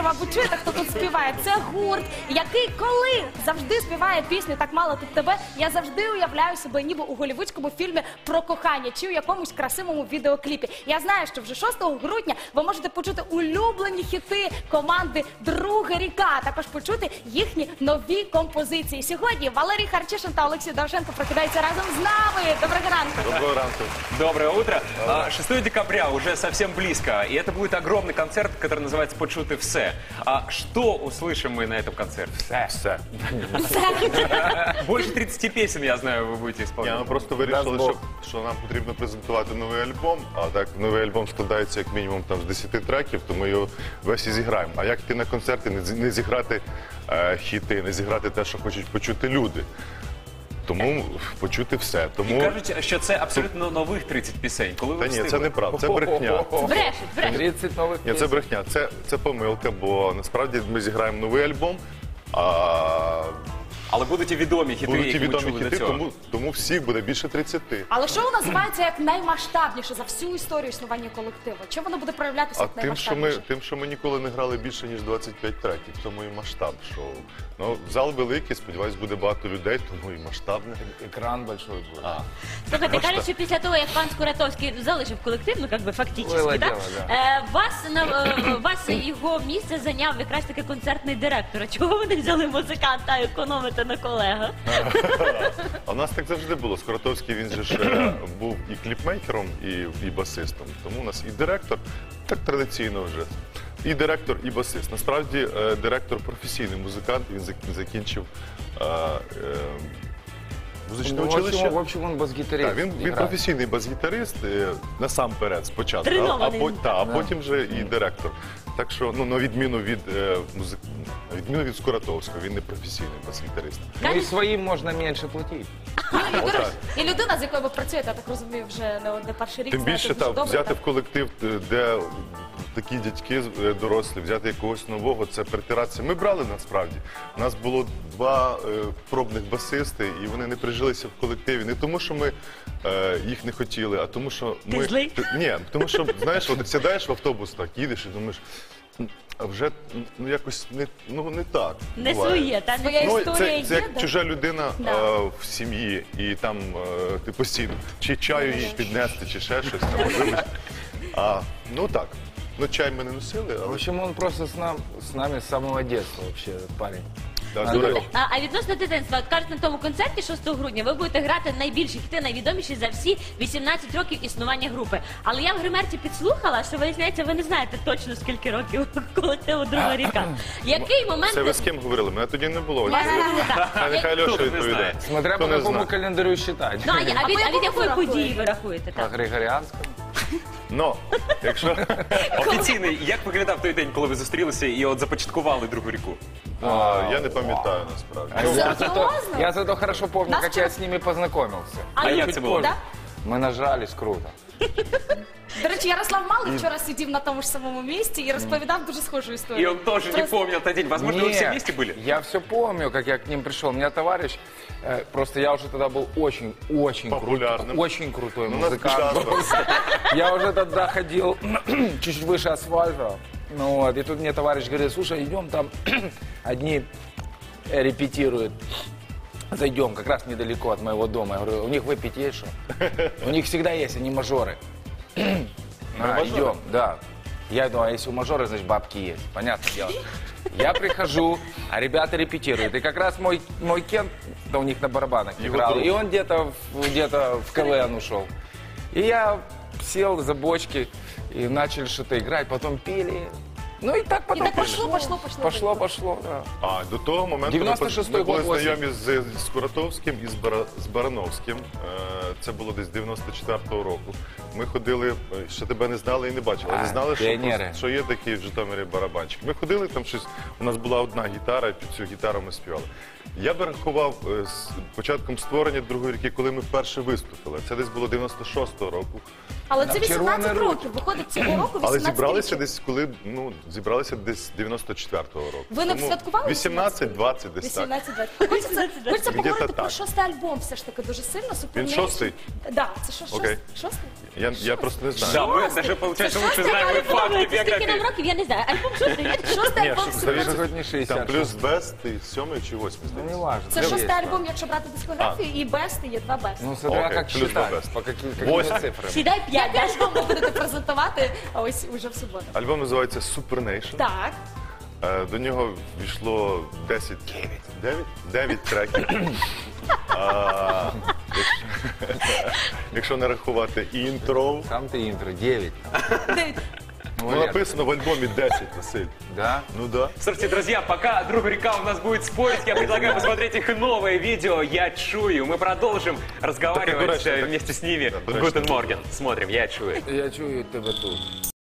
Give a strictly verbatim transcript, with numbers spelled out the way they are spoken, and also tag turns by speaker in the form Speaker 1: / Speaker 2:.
Speaker 1: мабуть, чуєте, хто тут співає. Це гурт, який коли завжди співає пісню «Так мало тут тебе», я завжди уявляю себе ніби у голлівудському фільмі про кохання чи у якомусь красивому відеокліпі. Я знаю, що вже шостого грудня ви можете почути улюблені хіти команди «Друга ріка», а також почути їхні нові композиції. Сьогодні Валерій Харчишин та Олексій Довженко прокидаються разом з нами. Доброго ранку.
Speaker 2: Доброго ранку.
Speaker 3: Доброе утро. шестого декабря уже совсем близко, и это будет огромный концерт, который называется «Почути все». А что услышим мы на этом концерте?
Speaker 2: Все. Все.
Speaker 3: Больше тридцати песен, я знаю, вы будете исполнять.
Speaker 2: Ми просто вирішили, що, що нам потрібно презентувати новий альбом, а так новий альбом складається як мінімум там, з десяти треків, то ми його весь і зіграємо. А як йти на концерти, не, не зіграти е, хіти, не зіграти те, що хочуть почути люди. Тому почути все. Тому...
Speaker 3: І кажуть, що це абсолютно нових тридцять пісень. Коли ви
Speaker 2: Та ні,
Speaker 3: встигли?
Speaker 2: це неправда, це брехня.
Speaker 1: Брешуть, брешуть.
Speaker 4: тридцять нових
Speaker 2: Ні, це брехня, це, це помилка, бо насправді ми зіграємо новий альбом, а
Speaker 3: Але будуть і відомі хіти,
Speaker 2: будуть і
Speaker 3: які ми
Speaker 2: відомі
Speaker 3: чули
Speaker 2: хіти,
Speaker 3: до цього.
Speaker 2: тому, тому всіх буде більше тридцяти.
Speaker 1: Але шоу називається як наймасштабніше за всю історію існування колективу. Чим воно буде проявлятися
Speaker 2: А
Speaker 1: як
Speaker 2: тим що, ми,
Speaker 1: наймасштабніше?
Speaker 2: тим, що ми ніколи не грали більше, ніж двадцять п'ять треків, тому і масштаб шоу. Ну, зал великий, сподіваюсь, буде багато людей, тому і масштабне.
Speaker 4: Екран большой будет.
Speaker 2: А.
Speaker 5: Слухайте, кажуть, що після того, як пан Скуратовський залишив колектив, ну, як би, фактично,
Speaker 4: Було
Speaker 5: так?
Speaker 4: діло, да.
Speaker 5: Е, вас, на, е, вас його місце зайняв якраз таки концертний директор. А чого ви не взяли музиканта, а економите на колегах?
Speaker 2: А у нас так завжди було. Скуратовський, він же ж е, був і кліпмейкером, і, і басистом. Тому у нас і директор, так традиційно вже. І директор, і басист. Насправді, е, директор професійний музикант, він зак- закінчив е, е, музичне
Speaker 4: Ну, в общем,
Speaker 2: училище.
Speaker 4: в общем, он бас-гитарист.
Speaker 2: Так, він, він
Speaker 4: играет.
Speaker 2: професійний бас-гітарист, е, насамперед, спочатку, а, а,
Speaker 5: Тренований.
Speaker 2: по- та, а
Speaker 4: Да.
Speaker 2: потім вже і директор. Так що, ну, на відміну від, е, музик... на відміну від Скуратовського, він не професійний бас-гітарист.
Speaker 4: Ну и своим можно меньше платить.
Speaker 1: І, до
Speaker 2: Отак.
Speaker 1: речі, і людина, з якою ви працюєте, я так розумію, вже не одне перший рік.
Speaker 2: Тим
Speaker 1: знаєте
Speaker 2: більше
Speaker 1: дуже
Speaker 2: так,
Speaker 1: добре,
Speaker 2: взяти
Speaker 1: так?
Speaker 2: в колектив, е, де такі дядьки е, дорослі, взяти якогось нового, це притиратися. Ми брали насправді. У нас було два е, пробних басисти, і вони не прижилися в колективі. Не тому, що ми е, їх не хотіли, а тому, що ми...
Speaker 5: Ти злий?
Speaker 2: Т- Ні, тому що, знаєш, от сідаєш в автобус, так, їдеш і думаєш, «М, а вже ну, якось не, ну, не так.
Speaker 5: Не
Speaker 2: буває».
Speaker 5: своє, та
Speaker 1: Своя
Speaker 5: не
Speaker 2: Ну,
Speaker 1: історія
Speaker 2: це,
Speaker 1: є,
Speaker 2: це як
Speaker 1: да?
Speaker 2: чужа людина
Speaker 1: Да.
Speaker 2: е, в сім'ї, і там е, ти постійно чи чаю їй піднести, чи ще щось. Там, вибач. А, ну так. Ну, чай ми не носили,
Speaker 4: В
Speaker 2: але
Speaker 4: общем, он просто с, нам, с нами с самого детства вообще, этот парень.
Speaker 2: да,
Speaker 4: Андрюх.
Speaker 2: до речі.
Speaker 5: А, а відносно дитинства, от кажуть, на тому концерті шостого грудня ви будете грати найбільші хіти, найвідоміші за всі вісімнадцять років існування групи. Але я в гримерці підслухала, що виявляється, ви не знаєте точно скільки років колективу «Друга ріка». Який момент...
Speaker 2: Це ви з ким говорили? Мене тоді не було.
Speaker 5: Я не знаю.
Speaker 2: А нехай
Speaker 3: Хто
Speaker 2: Льоша
Speaker 3: не
Speaker 2: відповідає.
Speaker 3: знає?
Speaker 4: Смотря
Speaker 2: Хто
Speaker 4: по
Speaker 2: не
Speaker 4: какому
Speaker 2: знає.
Speaker 4: календарю считать.
Speaker 5: Ну, а, а, від, а від
Speaker 1: якому
Speaker 5: якої
Speaker 1: ви
Speaker 5: події
Speaker 1: рахуєте?
Speaker 5: ви рахуєте?
Speaker 4: По
Speaker 5: Так?
Speaker 4: Григоріанському.
Speaker 2: Ну, якщо...
Speaker 3: Офіційний, як виглядав той день, коли ви зустрілися і от започаткували «Другу ріку»?
Speaker 2: А, я не пам'ятаю, насправді.
Speaker 4: А я, зато,
Speaker 1: Серьезно?
Speaker 4: я зато хорошо помню,
Speaker 1: Нас
Speaker 4: как я
Speaker 1: вчера-
Speaker 4: с ними познакомился.
Speaker 3: А як
Speaker 4: Чуть
Speaker 3: це було?
Speaker 4: позже.
Speaker 1: Да?
Speaker 4: Мы нажались круто.
Speaker 1: До речі, Ярослав Малий вчора сидів на тому ж самому місці і розповідав дуже схожу
Speaker 3: И
Speaker 1: історію.
Speaker 3: он тоже не
Speaker 1: Просто-
Speaker 3: помнил тот день. Возможно, вы все вместе были?
Speaker 4: Я все помню, как я к ним пришел. У меня товарищ, э, просто я уже тогда был очень, очень
Speaker 2: Популярным.
Speaker 4: крутой, очень крутой
Speaker 2: Ну, нас
Speaker 4: музыкант.
Speaker 2: часто.
Speaker 4: Я уже тогда ходил чуть-чуть выше асфальта. Ну вот, и тут мне товарищ говорит: слушай, идем там, одни э, репетируют. Зайдем, как раз недалеко от моего дома. Я говорю, у них выпить есть что? У них всегда есть, они мажоры. А,
Speaker 2: мажоры?
Speaker 4: идем, да. Я думаю, а если у мажора, значит бабки есть. Понятное дело. Я прихожу, а ребята репетируют. И как раз мой, мой Кент, да, у них на барабанах
Speaker 2: Его
Speaker 4: играл.
Speaker 2: друг.
Speaker 4: И он где-то в- где-то в КВН ушел. И я сел за бочки и начали что-то играть, потом пели. Ну и так
Speaker 1: І
Speaker 4: потом
Speaker 1: так пошло, пошло, пошло.
Speaker 4: Пошло, пошло, да.
Speaker 2: А, до того моменту ми,
Speaker 4: дев'яносто
Speaker 2: поз-
Speaker 4: шостий
Speaker 2: ми були
Speaker 4: год, осінь.
Speaker 2: знайомі з, з Скуратовським і з, Бара, з Барановським. Е, Це було десь дев'яносто четвертого року. Ми ходили, е, ще тебе не знали і не бачили.
Speaker 4: А,
Speaker 2: Не знали, що,
Speaker 4: піонери.
Speaker 2: просто- що є такий в Житомирі барабанчик. Ми ходили, там щось, у нас була одна гітара, і під цю гітару ми співали. Я би рахував е, з початком створення «Другої ріки», коли ми вперше виступили. Це десь було дев'яносто шостого року.
Speaker 1: Але це
Speaker 4: Червоний
Speaker 1: вісімнадцять
Speaker 4: рух.
Speaker 1: років. Виходить, цього року
Speaker 2: Але
Speaker 1: вісімнадцять
Speaker 2: зібралися
Speaker 1: років.
Speaker 2: десь, коли, ну, зібралися десь дев'яносто четвертого року.
Speaker 1: Ви не
Speaker 2: Тому
Speaker 1: святкували
Speaker 2: вісімнадцять двадцять десь так.
Speaker 1: вісімнадцять двадцять. Хочеться, хочеться
Speaker 2: Где-то
Speaker 1: поговорити про
Speaker 2: так.
Speaker 1: шостий альбом все ж таки дуже сильно.
Speaker 2: Він
Speaker 1: Супернейшн.
Speaker 2: шостий, Шостий?
Speaker 1: Да, це що, шостий?
Speaker 2: Окей.
Speaker 1: Шостий?
Speaker 2: Я, я просто не знаю.
Speaker 3: Да, мы даже, получается, лучше
Speaker 5: Шостий
Speaker 3: знаем и
Speaker 5: альбом,
Speaker 3: факты
Speaker 5: скільки нам
Speaker 3: биографии.
Speaker 5: років, я не знаю. Альбом шостий, є?
Speaker 1: Шостий
Speaker 2: Ні,
Speaker 1: альбом
Speaker 2: що,
Speaker 1: «Супер».
Speaker 2: завіс-
Speaker 4: Хоть не шестьдесят.
Speaker 2: Там плюс бест, і сьомий чи восьмий,
Speaker 4: Ну, не
Speaker 2: здається.
Speaker 4: важно.
Speaker 1: Це
Speaker 4: Там
Speaker 1: шостий
Speaker 4: есть
Speaker 1: альбом, якщо брати дискографію, і бести є два бести.
Speaker 4: Ну, смотря
Speaker 2: Окей,
Speaker 4: как
Speaker 2: плюс
Speaker 4: считать,
Speaker 2: бест.
Speaker 4: по каким, какими
Speaker 2: Восемь.
Speaker 4: цифрами.
Speaker 5: Сідай п'ять,
Speaker 1: Який
Speaker 5: да?
Speaker 1: альбом ви будете презентувати ось уже в суботу?
Speaker 2: Альбом називається Super Nation.
Speaker 1: Так.
Speaker 2: Е, До нього війшло десять, дев'ять, дев'ять треків. А, якщо, якщо не рахувати інтро,
Speaker 4: Сам ты интро, девять.
Speaker 1: Дев'ять.
Speaker 2: ну, написано в альбомі десять, Василь.
Speaker 4: Да?
Speaker 2: Ну да.
Speaker 3: Слушайте, друзья, пока друг река у нас будет спорить, я предлагаю посмотреть их новое видео «Я чую». Мы продолжим разговаривать
Speaker 2: Так,
Speaker 3: э,
Speaker 2: так.
Speaker 3: вместе с ними
Speaker 2: Да,
Speaker 3: в
Speaker 2: дурачно.
Speaker 3: Гутен Морген. Смотрим «Я чую».
Speaker 4: Я чую тебя тут.